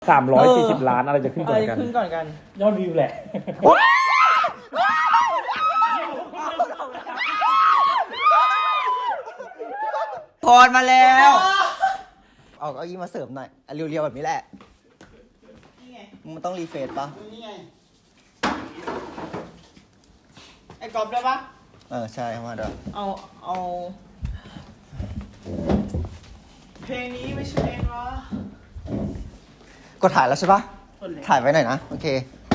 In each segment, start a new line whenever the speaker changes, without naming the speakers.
340 ล้านอะไรจะขึ้นก่อนกัน
ขึ้นก่อนกัน
ยอดวิวแหละ
พรมาแล้วเอาเก้าอี้มาเสริมหน่อยเรียวๆแบบนี้แหละมันต้องรีเฟรชปะ
นี่ไงไอ้กอบได้ปะ
ใช่เข้ามาด้วย
เอาเพลงนี้ไม่ใช่เพลงเหรอก
ดถ่ายแล้วใช่ปะถ่ายไว้หน่อยนะโอเค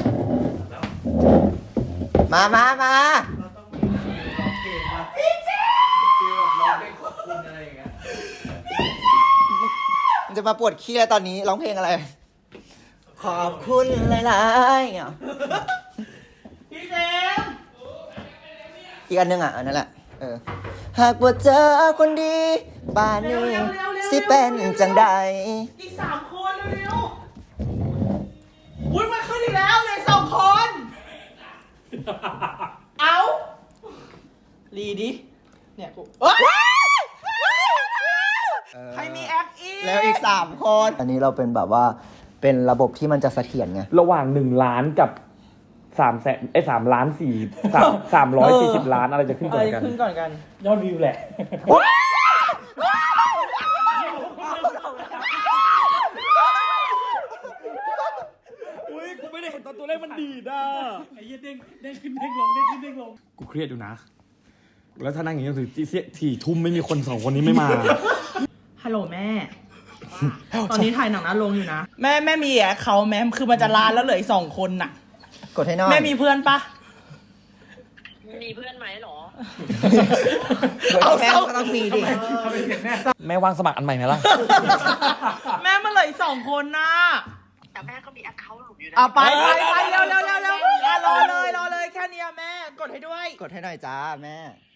มา
เราต้องมีร้องเพลงปะพี่เจ๊คือแบบร้องเพลงขอบคุณอะไรอย่างเงี้ย
มันจะมาปวดขี้แล้วตอนนี้ร้องเพลงอะไร ขอบคุณหลายๆอ่ะ
พี่เจมส์
อีกอันนึงอ่ะอันนั้นแหละหากว่าเจอคนดีบ้านนี้สิเป็นจังใด
อีก3 คนเร็วๆวุ้ยมันขึ้นอีกแล้วเลย2 คน เอารีดิเนี่ยกูใครมีแอคอีก
แล้วอีก3คนอันนี้เราเป็นแบบว่าเป็นระบบที่มันจะเสถียรไง
ระหว่าง1 ล้านกับ3 ล้าน340 ล้านอะไรจะขึ้นก่อนกัน
ขึ้นก่อนกัน
ยอดวิวแหละ
อุ้ยกูไม่ได้เห็นตอนตัวเลขมันดีดอ่ะ
ไอ้เหี้ยเด้งขึ้นเด้งลงเด้งขึ้นเด้งลง
กูเครียดอยู่นะ แล้วถ้านั่งอย่างนี้ถึง4 ทุ่มไม่มีคน2 คนนี้ไม่มา
ฮัลโหลแม่ ตอนนี้ถ่ายหนังหน้าโรงอยู่นะ แม่มีแอคเขาท์แม่คือมันจะล้านแล้วเหลืออีก2 คนน่ะ
กดให้หน่อย
แม่มีเพื่อนปะ
มีเพื่อนไหมหรอ
เอาแม่ก็ต้องมีดิ
แม่ว่างสมัครอันใหม่ไหมล่ะ
แม่มันเหลืออีก2 คนน่ะ
แต่แม่ก็มีแอคเคาท์หลุมอยู่นะ
เอาไปเร็วรอเลยแค่นี้แม่กดให้ด้วย
กดให้หน่อยจ้าแม่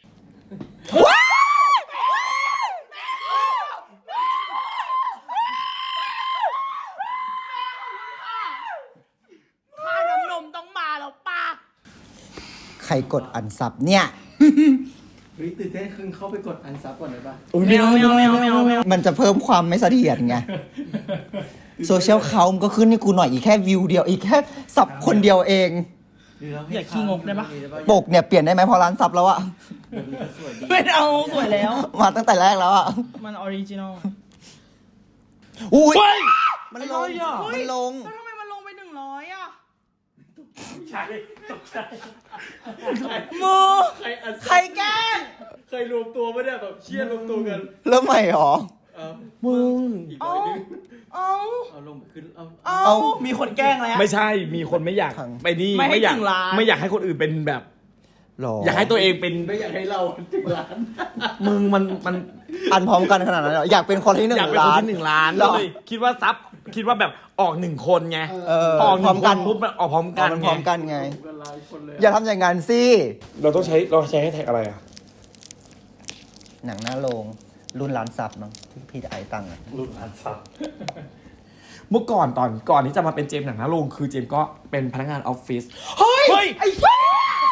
ค่าน้ำนมต้องมาแล้วป้า
ใครกดอันซับเนี่ย
เฮ้ยตื่นเต้นขึ้นเข้าไปกดอันซับก่อนเลยป่ะ
ไม่เอา
มันจะเพิ่มความไม่เสถียรไงโซเชียลเขามันก็ขึ้นให้กูหน่อยอีกแค่วิวเดียวอีกแค่ซับคนเดียวเอง
อย่าขี้งกได้ปะ
ปกเนี่ยเปลี่ยนได้ไหมพอร้านซับแล้วอะ
ไม่เอาสวยแล้ว
มาตั้งแต่แรกแล้วอะ
มันออริจินอล
อุ้ยมันลง
มันลง
มันลง
แล้วทำไมมันลงไป100อ่ะ
ใช่ตกใจ
มือใครแกล้ง
เคยรวมตัวไม่ได้แบบเชียร์รวมตัวกัน
เริ่มใหม่หรอ
มึง
อีกห
เอา
น่อยนึง
เอา
เอาลงขึ้นเอา
เอามีคนแกล้งแล้ว
ไม่ใช่มีคนไม่อยาก
ขัง
ไปนี่
ไม่ให้
อยาก
ถึงล้าน
ไม่อยากให้คนอื่นเป็นแบบ
หรอ
อยากให้ตัวเองเป็น
ไม่อยากให้เราถึงล้าน
มึงมัน
อันพร้อมกันขนาดนั้นเหรออยากเป็นคนที่หนึ่
อยาก
ง
เป็นค
ล้าน น
ที่1 ล้าน
หรอ
เลยคิดว่าคิดว่าแบบออก1 คนไง
พ
ออก
ร้อมกัน
ปุ๊บมันออกพร้อมกัน
มันพร้อมกันไง
กันหลายคนเลย
อย่าทำอย่างนั้นสิ
เราใช้ให้แท็กอะไรอ่ะ
หนังหน้าโรงรุ่นร้านซับเนาะที่พี่ไอตังอะ
รุ่นอันซับ
เมื่อก่อนก่อนที่จะมาเป็นเจมส์หนังหน้าโรงคือเจมส์ก็เป็นพนักงานออฟฟิศ
เฮ้ยไอ้เหี้ย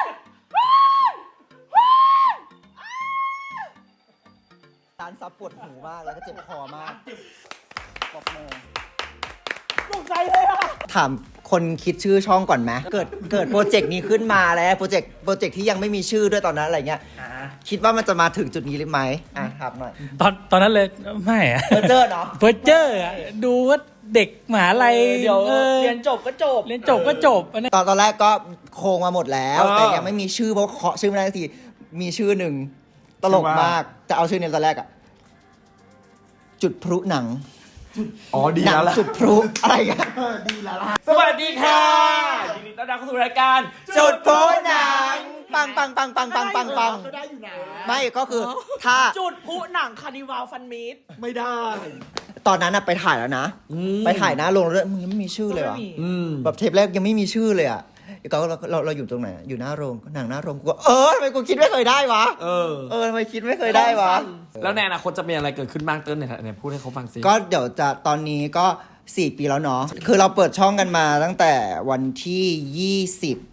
ร้านซับปวดหูมากแล้วก็เจ็บคอมากบอกโม
ตกใจเลยอ่ะ
ถามคนคิดชื่อช่องก่อนไหมเกิดโปรเจกต์นี้ขึ้นมาแล้วโปรเจกต์ที่ยังไม่มีชื่อด้วยตอนนั้นอะไรเงี้ยคิดว่ามันจะมาถึงจุดนี้หรือไหมถามหน่อย
ตอนนั้นเลยไม่อะ
เพอเจอเนาะ
เพอเจอร์อะดูว่าเด็กมหาลัย
เดี๋ยวเรียนจบก็จบ
เรียนจบก็จบอันนี้
ตอนแรกก็โครงมาหมดแล้ว แต่ยังไม่มีชื่อเพราะเคาะชื่อไม่ได้สักทีมีชื่อหนึ่งตลกมากจะเอาชื่อนี้ตอนแรกอะจุดพลุหนัง
อ๋อดี
หนั
แล้วล่ะ
จุดพลุอะไรกัน
สวัสดีค่ะยินดีต้อนรับเข้าสู่รายการ
จุดพลุหนังปัง
ก็ได้อยู่นะ
ไม่ก็คือถ้า
จุดพลุหนังคาร์นิวัลฟันมีด
ไม่ได้
ตอนนั้นอะไปถ่ายแล้วนะ ไปถ่ายหน้าโรงเรื่องมึงยังไม่มีชื่อเลย
ก็
วะ
ไม่มี
แบบเทปแรกยังไม่มีชื่อเลยอ่ะก็เราอยู่ตรงไหนอะอยู่หน้าโรงหนังหน้าโรงกูก็ทำไมกูคิดไม่เคยได้วะทำไมคิดไม่เคยได้วะ
แล้วในอนาคตจะมีอะไรเกิดขึ้นบ้างเติ้ลเนี่ยพูดให้เขาฟังสิ
ก็เดี๋ยวจะตอนนี้ก็4 ปีแล้วเนาะคือเราเปิดช่องกันมาตั้งแต่วันที่20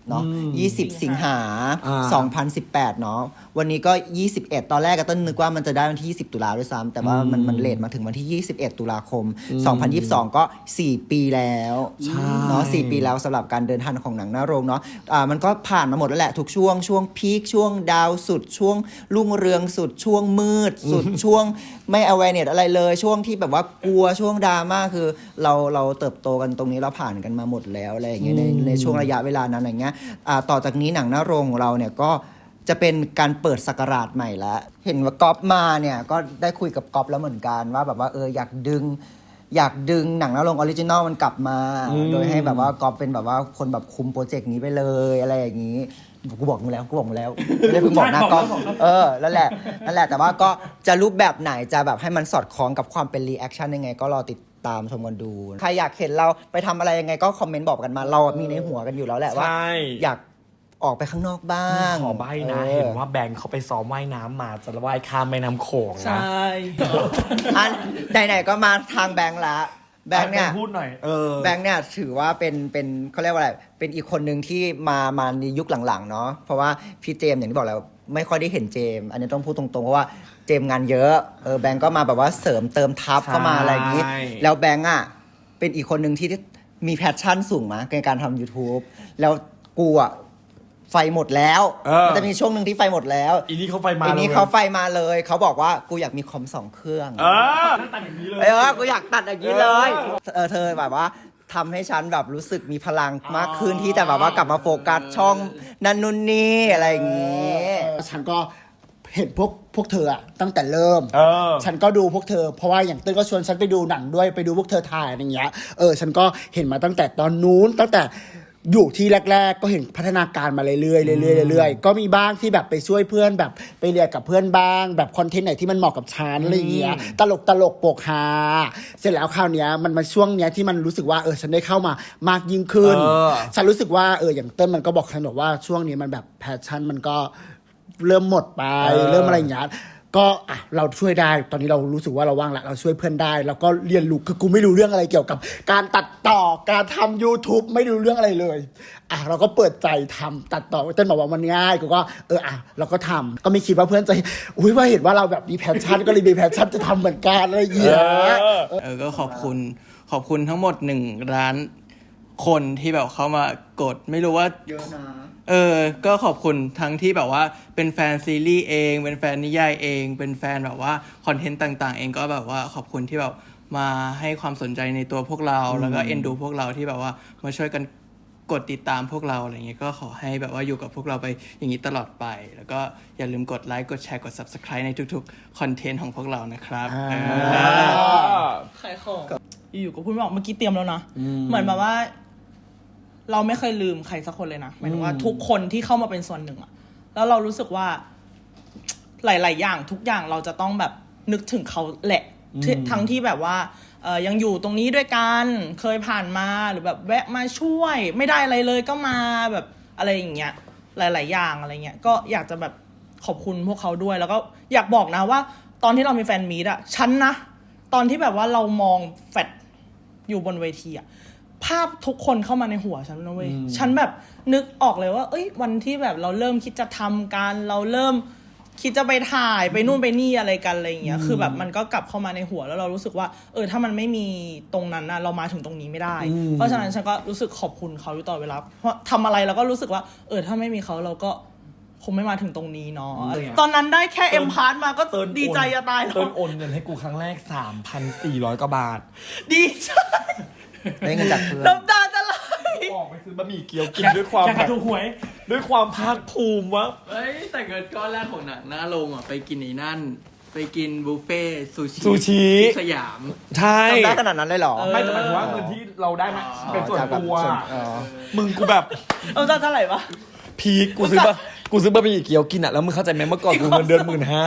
เนาะ20 สิงหา
อ่า
2018 เนาะวันนี้ก็ 21 ตอนแรกก็ต้นนึกว่ามันจะได้วันที่ 20 ตุลาด้วยซ้ำแต่ว่ามันเลทมาถึงวันที่ 21 ตุลาคม 2022 ก็ 4 ปีแล้วเนาะ4 ปีแล้วสำหรับการเดินทางของหนังหน้าโรงเนาะมันก็ผ่านมาหมดแล้วแหละทุกช่วงพีคช่วงดาวสุดช่วงรุ่งเรืองสุดช่วงมืดสุดช่วงไม่ awareness อะไรเลยช่วงที่แบบว่ากลัวช่วงดราม่าคือเราเติบโตกันตรงนี้เราผ่านกันมาหมดแล้วอะไรอย่างเงี้ยในช่วงระยะเวลานั้นอย่างเงี้ยต่อจากนี้หนังหน้าโรงของเราเนี่ยก็จะเป็นการเปิดศักราชใหม่แล้วเห็นว่าก๊อฟมาเนี่ยก็ได้คุยกับก๊อฟแล้วเหมือนกันว่าแบบว่าอยากดึงหนังหน้าโรงออริจินอลมันกลับมาโดยให้แบบว่าก๊อฟเป็นแบบว่าคนแบบคุมโปรเจกต์นี้ไปเลยอะไรอย่างนี้กูบอกมึงแล้วไม่ได้เพิ่งบอกนะก๊อฟนั่นแหละแต่ว่าก็จะรูปแบบไหนจะแบบให้มันสอดคล้องกับความเป็นรีแอคชั่นยังไงก็รอติดตามชมกันดูใครอยากเห็นเราไปทำอะไรยังไงก็คอมเมนต์บอกกันมาเรามีในหัวกันอยู่แล้วแหละว่า
ใช่
อยากออกไปข้างนอกบ้าง
ขอใบนะเห็นว่าแบงค์เขาไปซ้อมว่ายน้ำมาจะว่ายข้ามแม่น้ำโขง
ใช
นะ
่
ไหนๆก็มาทางแบงค์ละแบงค์เนี่ย
พูดหน่อย
แบงค์เนี่ยถือว่าเป็นเขาเรียกว่าอะไรเป็นอีกคนหนึ่งที่มาในยุคหลังๆเนาะเพราะว่าพี่เจมส์อย่างที่บอกแล้วไม่ค่อยได้เห็นเจมส์อันนี้ต้องพูดตรงๆเพราะว่าเจมส์งานเยอะแบงค์ก็มาแบบว่าเสริมเติมทัพเข้ามาอะไรอย่างนี้
ใช่
แล้วแบงค์อ่ะเป็นอีกคนหนึ่งที่มีแพชชั่นสูงมากในการทำ YouTube แล้วกูอ่ะไฟหมดแล้วมันจะมีช่วงหนึ่งที่ไฟหมดแล้ว
อีนี่เขาไฟมา
อันนี้
ลย
เขาไฟมาเลยเขาบอกว่ากูอยากมีคอม2 เครื่อง
ตัดอย่างนี้เลย
กูอยากตัดอย่างนี้เลยเธอแบบว่าทำให้ฉันแบบรู้สึกมีพลังมากขึ้นที่จะแบบว่ากลับมาโฟกัสช่องนันนุนนี่อะไรอย่างนี้
ฉันก็เห็นพวกเธออะตั้งแต่เริ่ม ฉันก็ดูพวกเธอเพราะว่าอย่างเต้นก็ชวนฉันไปดูหนังด้วยไปดูพวกเธอถ่ายอะไรอย่างเงี้ยฉันก็เห็นมาตั้งแต่ตอนนู้นตั้งแต่อยู่ที่แรกๆก็เห็นพัฒนาการมาเรื่อยๆก็มีบ้างที่แบบไปช่วยเพื่อนแบบไปเรียนกับเพื่อนบ้างแบบคอนเทนต์ไหนที่มันเหมาะกับฉันอะไรอย่างเงี้ยตลกโปกฮาเสร็จแล้วคราวเนี้ยมันมาช่วงเนี้ยที่มันรู้สึกว่าฉันได้เข้ามามากยิ่งขึ้นฉันรู้สึกว่าอย่างเต้นมันก็บอกฉันบอกว่าช่วงนี้มันแบบแพชชั่นมันก็เริ่มหมดไปเริ่มอะไรอย่างเงี้ยก็เราช่วยได้ตอนนี้เรารู้สึกว่าเราว่างแล้วเราช่วยเพื่อนได้แล้วก็เรียนรู้คือกูไม่รู้เรื่องอะไรเกี่ยวกับการตัดต่อการทำ YouTube ไม่รู้เรื่องอะไรเลยเราก็เปิดใจทำตัดต่อเต้นบอกว่ามันง่ายกูก็เราก็ทำก็ไม่คิดว่าเพื่อนจะว่าเห็นว่าเราแบบมีแพชชั่นก็เลยมีแพชชั่นจะทำเหมือนกันอะไรอย่างเงี้ย
ก็ขอบคุณทั้งหมด1 ล้านคนที่แบบเข้ามากดไม่รู้ว่าเยอะนะก็ขอบคุณทั้งที่แบบว่าเป็นแฟนซีรีส์เองเป็นแฟนนิยายเองเป็นแฟนแบบว่าคอนเทนต์ต่างๆเองก็แบบว่าขอบคุณที่แบบมาให้ความสนใจในตัวพวกเราแล้วก็เอ็นดูพวกเราที่แบบว่ามาช่วยกันกดติดตามพวกเราอะไรเงี้ยก็ขอให้แบบว่าอยู่กับพวกเราไปอย่างนี้ตลอดไปแล้วก็อย่าลืมกดไลค์กดแชร์กด Subscribe ในทุกๆคอนเทนต์ของพวกเรานะครับ
ขายของอยู่ๆก็พูดไม่ออกเมื่อกี้เตรียมแล้วนะเหมือนแบบว่าเราไม่เคยลืมใครสักคนเลยนะหมายถึงว่าทุกคนที่เข้ามาเป็นส่วนหนึ่งอะแล้วเรารู้สึกว่าหลายๆอย่างทุกอย่างเราจะต้องแบบนึกถึงเขาแหละทั้งที่แบบว่ายังอยู่ตรงนี้ด้วยกันเคยผ่านมาหรือแบบแวะมาช่วยไม่ได้อะไรเลยก็มาแบบอะไรอย่างเงี้ยหลายๆอย่างอะไรเงี้ยก็อยากจะแบบขอบคุณพวกเขาด้วยแล้วก็อยากบอกนะว่าตอนที่เรามีแฟนมีตอะฉันนะตอนที่แบบว่าเรามองแฟลชอยู่บนเวทีอะภาพทุกคนเข้ามาในหัวฉันนะเว้ยฉันแบบนึกออกเลยว่าวันที่แบบเราเริ่มคิดจะทำการเราเริ่มคิดจะไปถ่ายไปนู่นไปนี่อะไรกันอะไรอย่างเงี้ยคือแบบมันก็กลับเข้ามาในหัวแล้วเรารู้สึกว่าถ้ามันไม่มีตรงนั้นนะเรามาถึงตรงนี้ไม่ได้เพราะฉะนั้นฉันก็รู้สึกขอบคุณเขาอยู่ตลอดเวลาเพราะทำอะไรเราก็รู้สึกว่าถ้าไม่มีเขาเราก็คงไม่มาถึงตรงนี้เนาะตอนนั้นได้แค่เอ็มพาร์ทมาก็ดีใจจะตายแล้ว
เติร์นโอนเงินให้กูครั้งแรก 3,400 กว่าบาท
ดีใจ
ได้เงินจากเพื่อน
น้ำตาจะไหล
ออกไปซื้อบะหมี่เกี๊ยวกินด้วยความแบบด้วยความภาคภูมิวะ
แต่เงินก้อนแรกของหนังหน้าโรงไปกินไอ้นั่นไปกินบุฟเฟ่ซูชิ สยาม
ใช่
ทำได้ขนาดนั้นเลยเหรอ
ไม่แต่หมายถึงว่าเงินที่เราได้มาเป็นส่วนตัวมึงกูแบบ
เท่าไหร่ปะ
พีคกูซื้อบะหมี่เกี๊ยวกินแล้วมึงเข้าใจไหมเมื่อก่อนกูเงินเดือน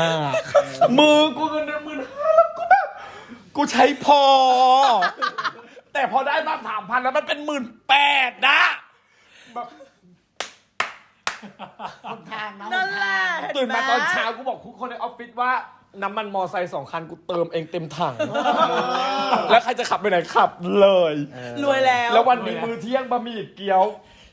15,000มึงกูเงินเดือน 15,000 แล้วกูแบบกูใช้พอแต่พอได้มา 3,000 แล้วมันเป็น 18,000 นะแบบ
นั่นแหละ
ตื่นมาตอนเช้ากูบอกทุกคนในออฟฟิศว่าน้ำมันมอไซค์2 คันกูเติมเองเต็มถังแล้วใครจะขับไปไหนขับเลย
รวยแล้ว
แล้ววันนี้มื้อเที่ยงบะหมี่เกี๊ยว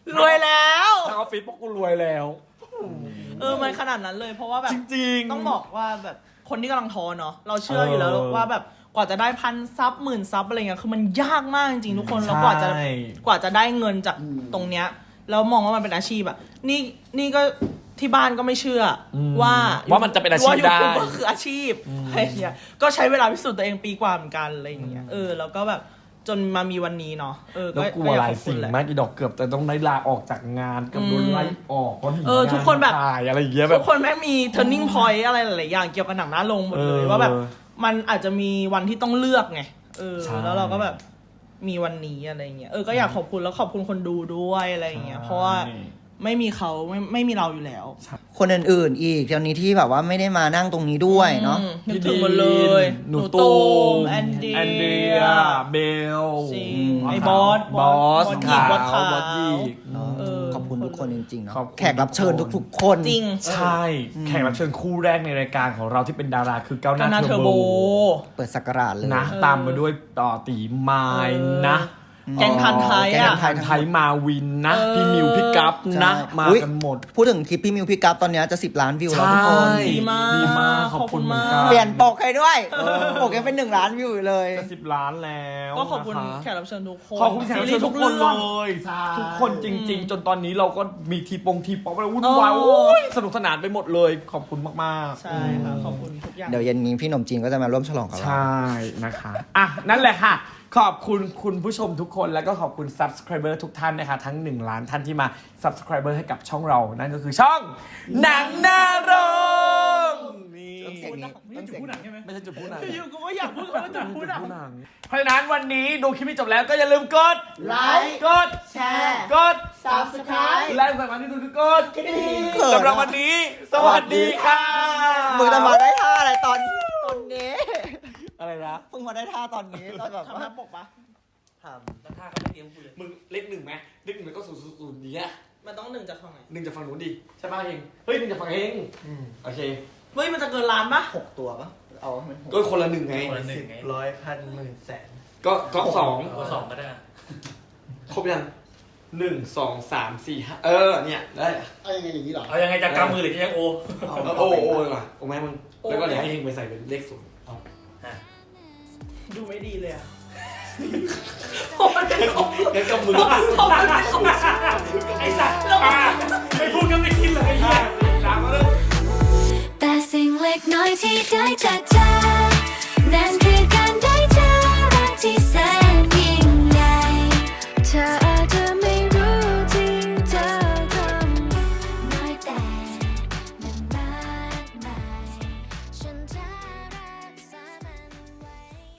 รวยแล้ว
ทางออฟฟิศพวกกูรวยแล้ว
มันขนาดนั้นเลยเพราะว่าแบบ
จริงๆ
ต้องบอกว่าแบบคนที่กำลังท้อเนาะเราเชื่ออยู่แล้วว่าแบบกว่าจะได้1,000 ซับ10,000 ซับอะไรเงี้ยคือมันยากมากจริงๆทุกคนแล้วกว่าจะได้เงินจากตรงเนี้ยแล้วมองว่ามันเป็นอาชีพอะนี่ก็ที่บ้านก็ไม่เชื่อว่า
มันจะเป็นอาชีพได้
ว่า YouTube ก็คืออาชีพอะไรเงี้ยก็ใช้เวลาพิสูจน์ตัวเองปีกว่าเหมือนกันอะไรอย่างเงี้ยแล้วก็แบบจนมามีวันนี้เนาะ
แล้วกลัวหลายสิ่งมากอีดอกเกือบแต่ต้องได้ลาออกจากงานกับโดนไล่ออกเพราะ
ทุกคนแบบ
ถ่ายอะไรอย่างเงี้ยแบบ
ทุกคนแม่งมี turning point อะไรหลายๆอย่างเกี่ยวกับหนังหน้าลงหมดเลยว่าแบบมันอาจจะมีวันที่ต้องเลือกไงแล้วเราก็แบบมีวันนี้อะไรเงี้ยก็อยากขอบคุณแล้วขอบคุณคนดูด้วยอะไรเงี้ยเพราะว่าไม่มีเขาไม่มีเราอยู่แล้ว
คนอื่นๆอีกเดี๋ยวนี้ที่แบบว่าไม่ได้มานั่งตรงนี้ด้วยเนาะ
นึกถึงหมดเลย
หนูตูม
แอนเดีย
เบล
จริงไอ้บอส
ขาว
บอสขาว
บอสหยิก
ขอบคุณทุกคนจริงๆเนาะ
ขอบคุณ
แขกรับเชิญทุกๆคน
จริง
ใช่ แขกรับเชิญคู่แรกในรายการของเราที่เป็นดาราคือก้าวห
กา
น้า
นา
เท
เท
อ
อ
ร์
ร์
โบ
โบ
เปิดสักราชเลย
นะตามมาด้วยต่อตีไม้นะ
แกงพันไทย
แก
อ่ะ
ง
ไทยมาวินนะ พี่มิวพี่กัฟนะ
ใช่
มา
อุ๊ย
กันหมด
พูดถึงคลิปพี่มิวพี่กัฟตอนเนี้ยจะ10 ล้านวิวแล้วทุกคน
ดีมาก
ดีมากขอบคุณเหมือนกัน
เปลี่ยนปกให้ด้วยปกยังเป็น1 ล้านวิวอยู่เลย
จะ10 ล้านแล้ว
ก็ขอบคุณ
นะะ
แขกรับเชิญทุกคน
ขอบคุณแขกรับเชิญทุกคนเลย
ใช่
ทุกคนจริง ๆ จนตอนนี้เราก็มีทีป๊อปอะไรวุ่นวาย
โอ้
โอ้ยสนุกสนานไปหมดเลยขอบคุณมากๆ
ใช่ค่ะขอบคุณทุกอย่าง
เดี๋ยวเย็นนี้พี่หนมจีนก็จะมาร่วมฉลองกับเรา
ใช่นะคะอ่ะนั่นแหละค่ะ ขอบคุณคุณผู้ชมทุกคนแล้วก็ขอบคุณ subscriber ทุกท่านนะคะทั้ง1 ล้านท่านที่มา subscriber ให้กับช่องเรานั่นก็คือช่องหนังหน้าโรงนี่
ต้องเสียงนี้ต้องเสียงนี้
ไม่ใช่จุดพูดหนัง
อยู่กูก็อยากพูดว่าจะพูดอ่ะ
หนังเพราะฉะนั้นวันนี้ดูคลิปนี้จบแล้วก็อย่าลืมกด
ไลค์
กด
แชร์
กด
Subscribe
และสำคัญที่สุดคือกด
กระดิ่ง
สำหรับวันนี้ สวัสดีค่ะ
มึงจะมาได้ท่าอะไรตอนนี้
อะไรนะ
เพิ่งมาได้ท่าตอนนี้ตอนแบบ
ทำหน้าปกปะ
มึงเลข 1ไหมเลข 1แล้วก็000นี้
มันต้อง1จากฝั่งไหน
1จากฝั่งนู้นดิใช่ป่ะเองเฮ้ย1จากฝั่งเองโอเค
เฮ้ยมันจะเกินล้านปะ
6 ตัวปะเอาให้มันหก
ก็คนละ1ไง
คนละหนึ่งไง
ร้อยพันหมื่นแสน
ก็สอง
เอา2ก็ได้
ครบยัง1 2 3 4 5เนี่ยได้
เอายังไงอย่างนี้เหรอ
เอายังไงจะกำมือหรือจะยังโอ
โอ้เลยว่ะโอ้แม่มึงแล้วก็เดี๋ยวให้เฮงไปใส่เป็นเลข0
ดูไม่ดีเลยอ่ะ
งั้นกับมือ
ไอ้สัตว์ไม่พูดก็ไม่คิดเลยไอ้เหี้ย
แต่สิ่งเล็กน้อยที่ได้จากเธอนั้น